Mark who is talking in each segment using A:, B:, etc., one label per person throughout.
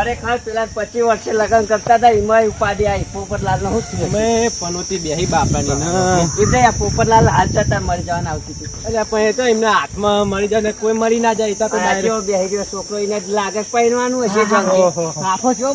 A: ખરેખર પેલા 25 વર્ષે લગ્ન કરતા હતા એમાં ઉપાધિ આવી પોપટલાલ નો શું
B: અમે પનોતી બેહી બાપાની
A: એટલે આ પોપટલાલ હાથ જતા મરી જવાના આવતી હતી
B: એટલે પણ એ તો એમના હાથમાં મરી જાય ને કોઈ મરી ના જાય તો
A: બેહી ગયો છોકરો એને લાગે પહેરવાનું હશે આખો જો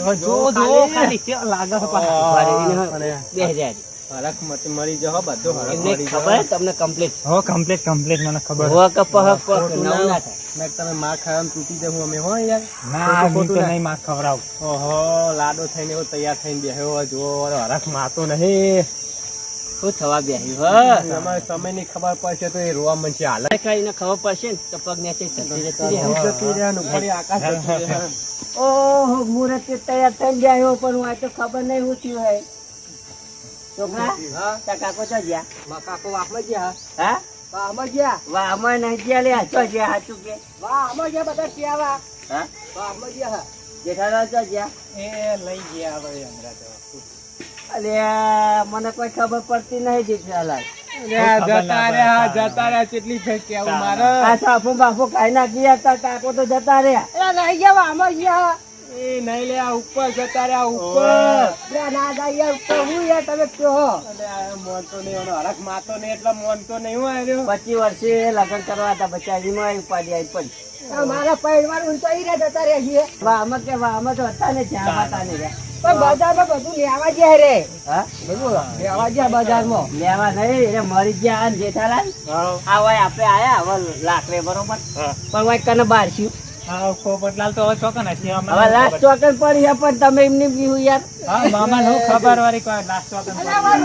A: લાગે બેહી જાય
B: હરખ મરી જાવ બધું હરખ મરી
A: ખબર તમને કમ્પ્લીટ
C: કમ્પ્લીટ મને ખબર
A: હો કે પહક પહક ના થાય
B: મેં તમે માર ખાવાનું તૂટી જવું અમે હો યાર
C: ના હું તો નહીં માર ખવડાવ
B: ઓહો લાડો થઈને એવો તૈયાર થઈને બેહ્યો જો હરખ માતો નહીં
A: શું થવા બેહ્યું
B: અમારે સમયની ખબર પડશે તો એ રોવા મનશે હાલ
A: કઈને ખબર પડશે ને તો પગ નીચે
B: જતી રહેવાનું ફરી આકાશ જતું રહે.
A: ઓહો મુરત તૈયાર થઈને બેહ્યો પણ હું આ તો ખબર નહીં હું થયું હે છોકરા તા કાકો તો ગયા
B: કાકો વાહમાં ગયા
A: હા
B: વાહમાં ગયા
A: વાહમાં નહીં ગયા લે ચો ગયા હાચું કે
B: વાહમાં ગયા બધા ક્યાં
A: હા
B: વાહમાં ગયા
A: જેઠાલાલ ચો ગયા
C: એ લઈ ગયા હવે હમણાં તો
A: અલે મને કોઈ ખબર પડતી નહીં જેઠાલાલ
B: જતા રહ્યા કેટલી ફેર કેવું મારે
A: આ સાફો બાફો ખાઈ ના ગયા તા કાકો તો જતા રહ્યા
B: નહીં ગયા વાહમાં ગયા એ નહીં લે ઉપર જતા રહ્યા ઉપર
A: ના જાય ઉપર હું યાર તમે કયો
B: મોનતો નહીં હરખ માતો નહીં એટલે મોનતો નહીં હું આવ્યો
A: 25 વર્ષે લગ્ન કરવા હતા બચારીમાં ઉપાડી આવી પડી
B: મારા પૈડવાનું તો ઈ રે જતા રહ્યા છીએ
A: વાહમાં કે વાહમાં તો હતા ને જ્યાં હતા ને
B: પણ બજારમાં બધું લેવા ગયા રે
A: હા
B: બધું લેવા ગયા બજારમાં
A: લેવા નહીં એટલે મરી ગયા ને જેઠાલાલ આ હોય આપણે આયા હવે લાકડે બરોબર પણ હોય કને બાર છું
C: પોપટલાલ તો હવે ચોકન હશે
A: હવે લાસ્ટ ચોકન પડી છે પણ તમે એમને બીવું યાર
C: હા મામા નો ખબર વાળી કોઈ લાસ્ટ ચોકન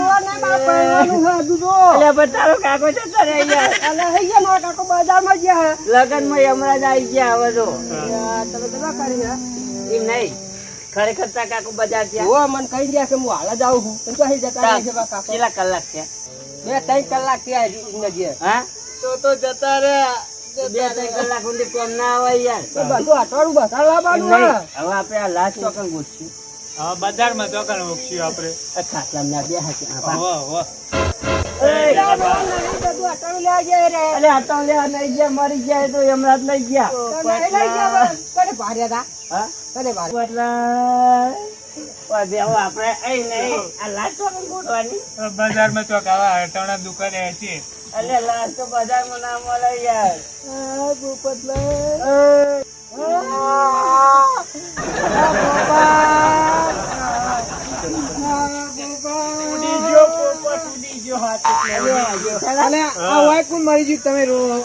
A: એટલે પણ તારો કાકો છે તારે યાર
B: કાકો બજારમાં ગયા
A: લગન માં હમણાં જ આવી ગયા હવે તો તમે કેટલા કરી એમ નહીં ખરેખર તા કાકો બજાર ગયા
B: મને કહી ગયા કે હું હાલ જ આવું છું તો અહીં જતા રહે છે કાકો
A: કેટલા કલાક છે
B: 2-3 કલાક થયા
A: હા
B: તો જતા રહ્યા
A: 2-3 કલાક સુધી કોમ ના આવે યાર
B: બધું અઠવાડિયું બસાર લાવવાનું
A: હવે આપણે આ લાસ્ટ ચોકન ગોઠશું
C: હા બજારમાં ચોકન મૂકશું આપણે
A: ખાટલા ના બે હાથે અરે આ તો લે નહીં ગયા મરી ગયા તો હમણાં જ લઈ ગયા હા આપણે અહીં નહીં આ લાસ્ટ ચોકન ગોઠવાની
C: બજારમાં ચોક આવા ટણા દુકાને છે
A: અરે લાસ્ટ તો બજારમાં ના મળે યાર
B: મરી ગયું તમે રો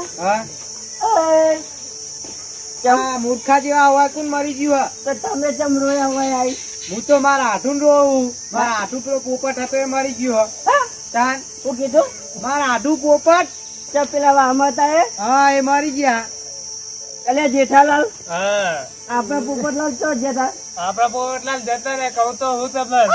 B: મૂર્ખા જેવા હવા કોણ મરી ગયું
A: તો તમે ચમ રોયા હોય આવી
B: હું તો મારા હાથું રોવું મારા હાથું પેલો પોપટ હતો એ મરી ગયો તાન
A: શું કીધું
B: મારા હાથું પોપટ
A: તો પેલા વાહમાં હતા
B: હા એ મરી ગયા
A: અલે જેઠાલાલ
C: હા
A: આપણા પોપટલાલ ચો જતા
C: આપડા પોપટલાલ જતા ને કહું તો હું તમને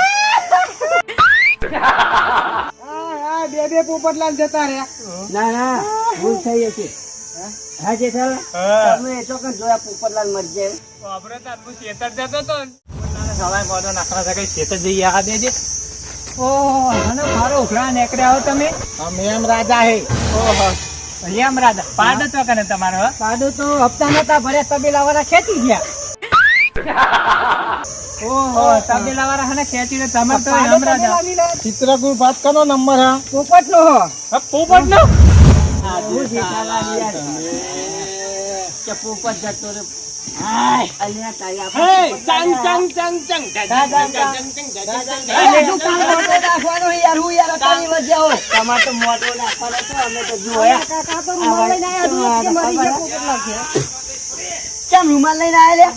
B: બે પોપટલાલ જતા રહ્યા
A: ના ના ભૂલ થઈ હશે હા જેઠાલાલ તમે ચોક્કસ જોયા પોપટલાલ મરી જાય
C: આપણે તો આટલું ખેતર જતો તો સવાય મોઢો નાખવા થાય ખેતર જઈએ આ દેજે ઓહો અને મારો ઉઘરા નેકડે આવો તમે
B: અમે એમ રાજા હે
C: ઓહો એમ રાજા પાડો તો કને તમારો
B: પાડો તો હપ્તા નતા ભર્યા તબેલા વાળા ખેતી ગયા
C: ઓહો તબેલા વાળા હને ખેંચીને તમાર તો એમ રાજા
B: ચિત્રકુર વાત કરો નંબર હા પોપટ નો
C: પોપટ નો
A: હું જેઠાલાલ યાર કે પોપટ જતો રે હાય અલ્યા તારી તમારે તો મોટો નાખવાનો તો અમે તો જોયા ચમ રૂમાલ લઈને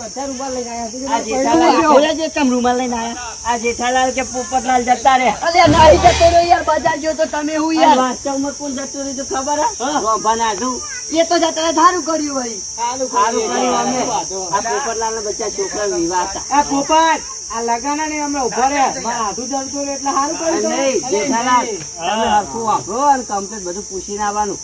A: આયા ચમ રૂમાલ લઈને આયા આ જેઠાલાલ કે પોપટલાલ જતા રે અરે નહીં જતો રહ્યો યાર બજાર જો તો તમે હું યાર વાસ્તવમાં કોણ જતો રહ્યો તો ખબર હે બનાધું એ તો જતા સારું કર્યું ભાઈ સારું કર્યું અમે આ પોપટલાલ ના બચ્ચા છોકરા વિવાહ હતા
B: આ પોપટ આ લગાના ને અમે ઉભા રહ્યા મારા હાથું જલતું એટલે સારું કર્યું
A: નહીં જેઠાલાલ તમે હરખું વાપરો અને કમ્પ્લીટ બધું પૂછીને આવવાનું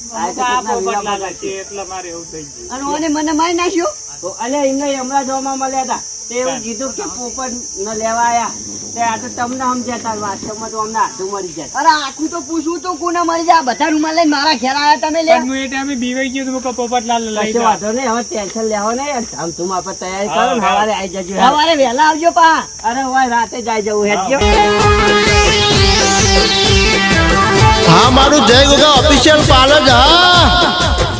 C: એટલે મારે એવું થઈ ગયું
A: અને ઓને મને મારી નાખ્યો તો અલ્યા એમને હમણાં જોવામાં મળ્યા હતા તે એવું કીધું કે પોપટ ન લેવા આયા તે આ તો તમને સમજાતા વાસ્તવમાં તો અમને હાથું મરી જાય. અરે આખું તો પૂછવું તો કોને મરી જાય બધા રૂમાલ લઈને મારા ઘેર આયા તમે લે.
C: પણ હું એ ટાઈમે બીવાઈ ગયો તો મેં કહ્યું પોપટલાલ લઈ
A: કશો
C: જા.
A: વાંધો નહીં, હવે ટેન્શન લેવો નહીં. ધૂમ આપણે તૈયારી કરો ને સવારે આવી જજો. સવારે વહેલા આવજો પા. અરે હોય રાતે જ આવી જવું હેડજો.
D: હા મારું જય ગોગા ઓફિશિયલ પાર્લર હા